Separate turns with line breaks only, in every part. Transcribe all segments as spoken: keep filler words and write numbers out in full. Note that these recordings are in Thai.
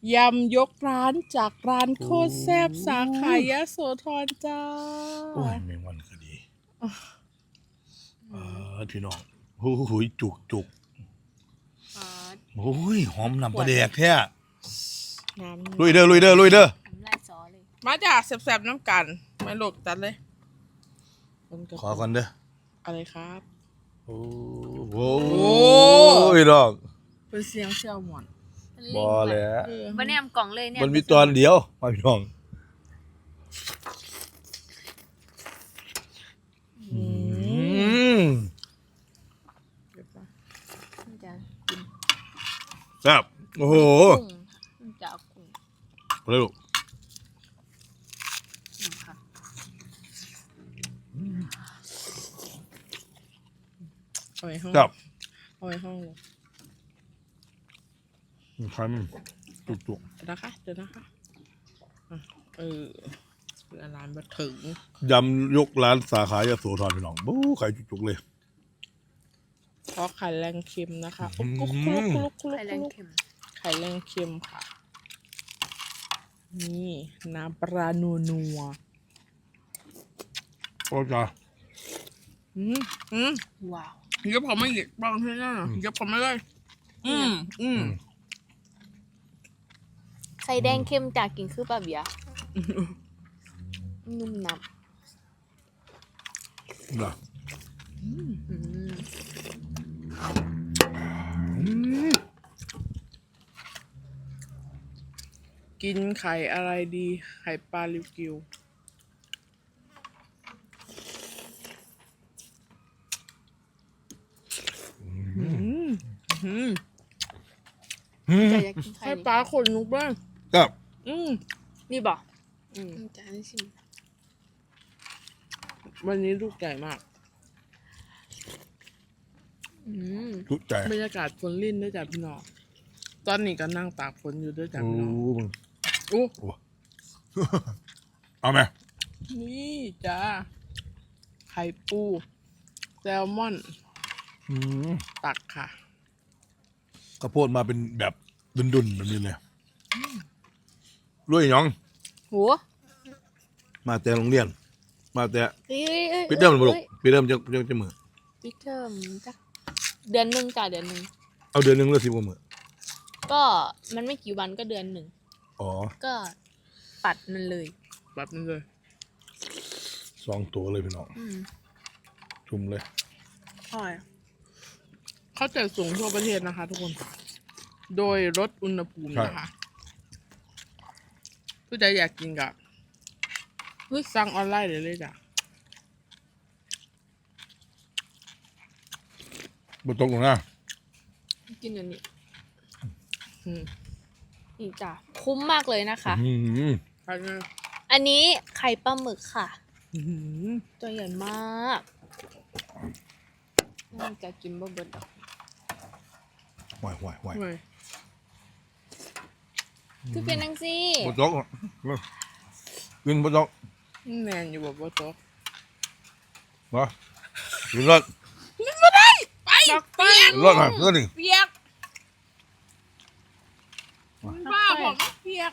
ยำยกร้านจากร้านโคตรแซ่บสาขายะโสธรจ้า
โอ้ยแมงวันก็ดีเออพี่น้องโอ้โหจุกจุกโอ้ยหอมน้ำปลาแดกแท้ลุยเด้อลุยเด้อลุยเด้อ
ลายซอเลย
มาจากแซ่บๆน้ำกันไม่หลกจัดเลย
ขอก่อนเด้อ
อะไรครับ
โอ้โหพี่น้อง
เป็นเสียงเซี่ยวหมอน
บอแล้ว
บันแนมกล่องเลยเนี่ย
มันมีตอนเดียวมาพี่น้องอืม
มันจะกิน
แซ่บโอ้โห
กุ้งมันจะเอากุ้ง
เร็ว
อืมค่ะ
เอาไว้ห้อง
แซ่บ
เอาไว้ห้องเลย
ใครมันจุกจุก
เดี๋ยวนะคะเดี๋ยวนะคะอ่ะเออเวลาร้านมาถึง
ยำยกร้านสาขายะโสธรพี่น้องบู๊ไข่จุกจุกเลย
เพราะไข่แรงเค็มนะคะ
อื
อุ๊
ม
กคุกคุกคุกคุก
ไข่แรง
คุก
เค็ม
ไข่แรงเค็มค่ะ นี่น้ำปลานัวนัว
โอ้จ้า
อืมอืม
ว้าว
เดี๋ยวผมไม่หยิบบ้างให้หน้าเดี๋ยวผมไม่ได้อืมอืม
ไข่แดงเค็มจากกินคือปลาเบียร์นุ่มนับ
น่ะ
อืม
อืม
กินไข่อะไรดี ไข่ปลาลิวกิวอืมอืม
อืม
จะอยากกินไข่
ไข่
นี่
ปลาขนลุกบ้าง
แซ่บ
อืม
นี่บอก
อืม
จะให้ชิม
วันนี้ลูกใหญ่มาก
อืม
ทุกใจ
บรรยากาศฝนลิ่นด้วยจ้ะพี่น้อง ตอนนี้ก็นั่งตากฝนอยู่ด้วยจ้ะ
โอ้
พี่น้อง
มึง
โอ้
โอ้ เอาไหม
นี่จ้า ไข่ปูแซลมอน
อืม
ตักค่ะ
ข้าวโพดมาเป็นแบบดุนๆแบบนี้เลยลุยหยอง
โห
มาแต่โรงเรียน มาแต่
เอ้ยเอ้ย
ปิดเทอมมันบุก
อ้ย
ปิดเทอมจะจะจะมือ
ปิดเทอมจ้ะเดือนหนึ่งจ้ะเดือนหนึ่ง
เอาเดือนหนึ่งหรือสิบกว่ามือ
ก็มันไม่กี่วันก็เดือนหนึ่ง
อ๋อ
ก็ปัดมันเลย
แบบนี้เลย
สองตัวเลยพี่น้อง
อืม
ชุ่มเลย
ใช่เข้าใจสูงทั่วประเทศนะคะทุกคน โดยลดอุณหภูมินะคะผู้ใดอยากกินกับสั่งออนไลน์เลยเลยจ้ะ
บนตกลงหน้า
กินอย่างนี้
อืม
นี่จ้ะคุ้มมากเลยนะคะ
อืม
อันนี้
อันนี้ไข่ปลาหมึกค่ะ
อื้อหือ
ตัวใหญ่มากน่าจะกินบ่เบิดดอก
ไหวไหวไหว
เว้ย
คือเป็นนังซี่
บนตกกินบนตก
แมนอยู่แบบว่าโต๊ะ
มากินรถ
ไปไป
กินรถมาเพื่อนนี่
เปียกบ้าผมเปียก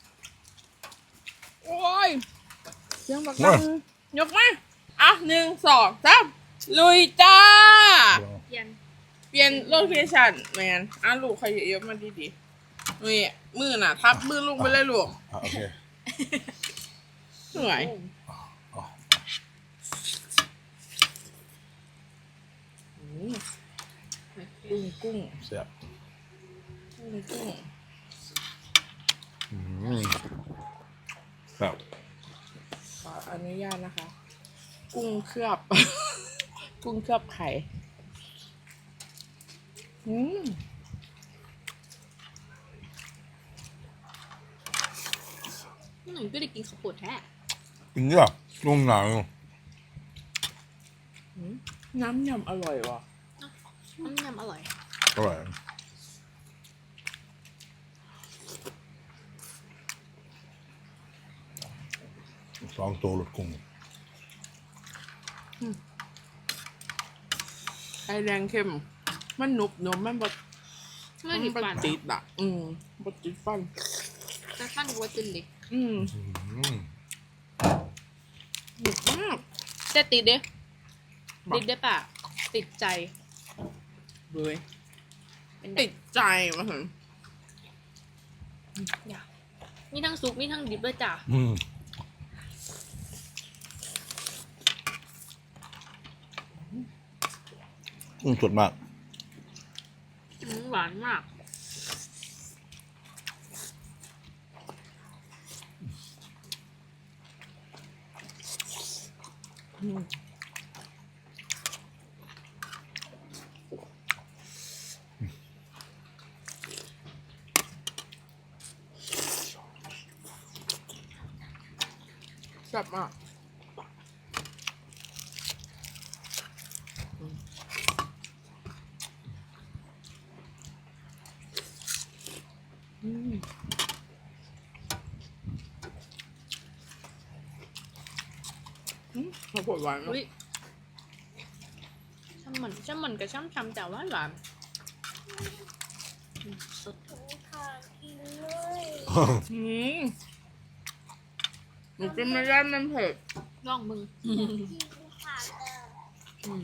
โอ้ยเสียงบักดังยกมาอ่ะหนึ่งสองสามลุยจ้า
เย็น
เปลี่ยนโลเคชั่นแมนอ่ะลูกใครเยอะๆมาดีๆนี่มือน่ะ ทับมือลงไปเลยลูก
อ่ะโอเค
เหนื่อย
อ๋อ
กุ้งกุ้ง
เสียบ
กุ้งกุ้ง
อืมครับ
ขออนุญาตนะคะ กุ้งเคลือบ กุ้งเคลือบไข่อืม
หนูก็ได้กินข้าวโพดแท้
กินเยอะลงหนาว
น้ำยำอร่อยว่ะ
น้ำยำอร่อย
อร่อยสองตัวรถกุ้ง
ไข่แดงเข้ม มันหนุบหนุบมันบด
ไม่ติด
มัน
ฟัน
ติดอ่ะ อืมบดติดฟัน
จะฟันวัวจินเลย
อืม
อืม
หนึบมาก
จะติดเด้
บอก
ติดได้ปะติดใจ
เลย
เป็นติ
ติ
ด
ดใจมาถึง
มีทั้งซุปมีทั้งดิบด้วยจ้ะ
อืมอืมสดมาก
อืมหวานมาก
อืมแซ่บมากอืมอืมอืมข้าวโพดหวานมาก
อุ้ยช่ำเหมือนช่ำเหมือนกับช่ำช่ำแต่ว่าหวานอืมสด
อืมหนูกินไม่ได้มันเผ็ด
ลองมึงอืม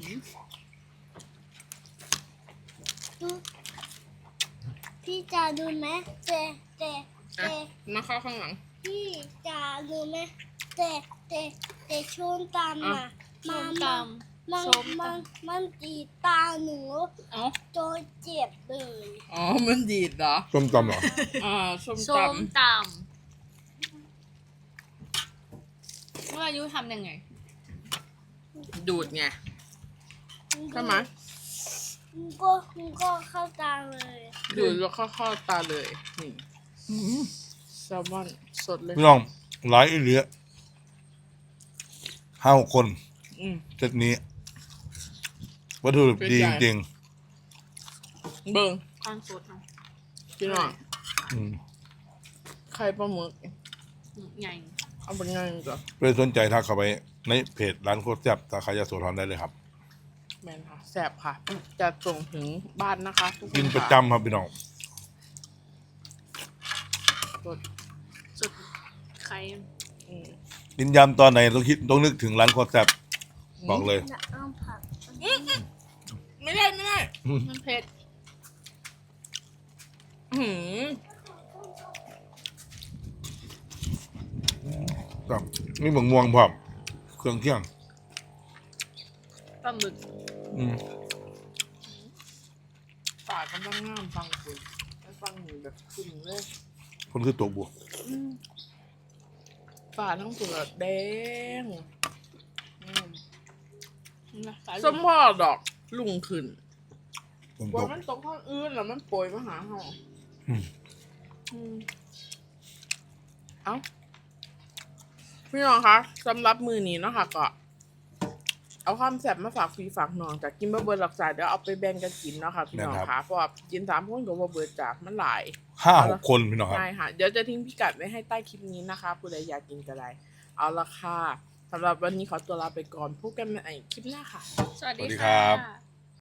พี่จะดูไหมเจเจเจ
อ่ะมาเข้าข้างหลัง
พี่จะดูไหมเจเจเจชนตาม
อ่ะ
มา
ส้มต
มัน
ส้มตำ
มันมันตีตาหนู
เอ้า
จนเจ็บเลย
อ๋อ มันดีดเหรอ
ส้มตำเหรอ
อ่าส้ม
ำส้
ต
มตำเมื่ออายุทำยังไง
ำดูดไงใช่ไหม
มันก็มันก็เข้าตาเลย
ดูดแล้วเข้าเข้าตาเลย นี่แซลมอนสดเลย
พี่น้องหลายอีเหลือห้าหกคน
อืม
เซตนี้ วัตถุดิบ
เป็น
ดี
ใหญ่
จริง
เบิ่ง
ข้างสดเนาะ
พี่น้อง
ๆอืม
ไข่ปลาหมึก
อืมใหญ่
เอาเป็นไงจ้ะ
เพื่อสนใจทักเข้าไปในเพจร้านโคตรแซ่บสาขายาโสธรได้เลยครับ
แมนค่ะแซ่บค่ะ จะส่งถึงบ้านนะคะทุกคน
กินประ
ค่
จำครับพี่น้อง
สด
สดไข่
อืม
กินยำตอนไหนต้องคิดต้องนึกถึงร้านโคตรแซ่บบอกเลย
จะเอาผัก
ไม่ได้ไม่ได้
มันเผ็ด
อื้อหือ
ครับนี่บางม่วงพร้อมเครื่องเคียง
ปลาหมึก
อืม
ปากกำลังงามฟังคุณแล้วฟังหนูแบบขึ้นเลย
คนคือตัวบวก
ฝาทั้งเปลือกแดงอืม
นะสาย
สมพอดอกลุงขึ้น
ผม
กลั
ต
ว
ก
มันตกข้างอื่นแล้วมันโปรยมาหาเฮา
อืม
อืมเอ้าพี่น้องคะสำหรับมือนี้เนาะค่ะก็ เอาความแซ่บมาฝากพี่ฝากน้องจากกินบะเบิร์หลักสายเดี๋ยวเอาไปแบ่งกันกินเนาะค่ะพี่น้องคะเพราะว่ากินสามคนกับบะเบิร์จากมันหลาย
ห้าหกคนพี่น้องครับ
ใช่ค่ะ เดี๋ยวจะทิ้งพิกัดไว้ให้ใต้คลิปนี้นะคะผู้ใดอยากกินก็ได้เอาละค่ะสำหรับวันนี้ขอตัวลาไปก่อนพบกันใหม่คลิปหน้าค่ะ
สวัสดี
สวัสดีครั
ค่ะ
บ